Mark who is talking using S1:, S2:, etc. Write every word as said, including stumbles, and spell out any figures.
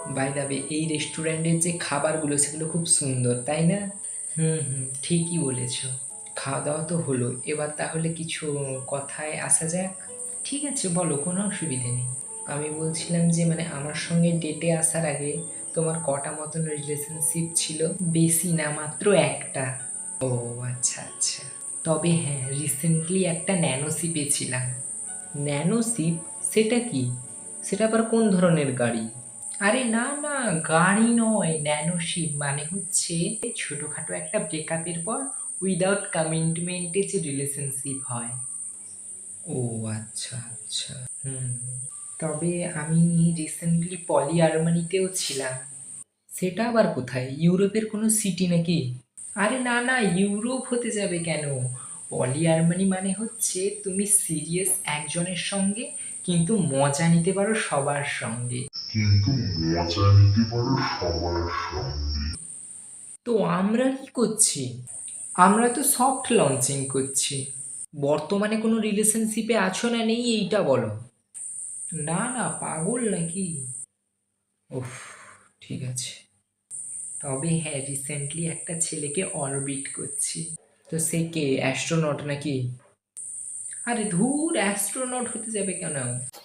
S1: By the way, এই রেস্টুরেন্টের যে খাবারগুলো সেগুলো খুব সুন্দর, তাই না? হুম হুম, ঠিকই বলেছ। খাওয়া দাওয়া তো হলো, এবার তাহলে কিছু কথায় আসা যাক। ঠিক আছে, বলো, কোনো অসুবিধে নেই। আমি বলছিলাম যে মানে আমার সঙ্গে ডেটে আসার আগে তোমার কটা মতন রিলেশনশিপ ছিল? বেশি না, মাত্র একটা। ও আচ্ছা আচ্ছা। তবে হ্যাঁ, রিসেন্টলি একটা ন্যানোশিপে ছিলাম। ন্যানোশিপ? সেটা কি? সেটা আবার কোন ধরনের গাড়ি? আরে না না, গাড়ি নয়, ন্যানোশিপ মানে হচ্ছে ছোটখাটো একটা ব্রেকআপের পর উইদাউট কমিটমেন্টে যে রিলেশনশিপ হয়। ও আচ্ছা আচ্ছা। হুম হুম। তবে আমি রিসেন্টলি পলি আর্মানিতেও ছিলাম। সেটা আবার কোথায়? ইউরোপের কোনো সিটি নাকি? আরে না না, ইউরোপ হতে যাবে কেন? পলি আর্মানি মানে হচ্ছে তুমি সিরিয়াস একজনের সঙ্গে, কিন্তু মজা নিতে পারো সবার সঙ্গে।
S2: কিন্তু মজা নিতে পারো সবার সঙ্গে।
S1: তো আমরা কি করছি? আমরা তো সফট লঞ্চিং করছি। বর্তমানে কোনো রিলেশনশিপে আছো না নেই এইটা বলো। না না, পাগল নাকি? উফ, ঠিক আছে। তবে হ্যাঁ, রিসেন্টলি একটা ছেলেকে অরবিট করছি। তো সে কে, অ্যাস্ট্রোনট নাকি? আরে ধুর, অ্যাস্ট্রোনট হতে যাবে কেন?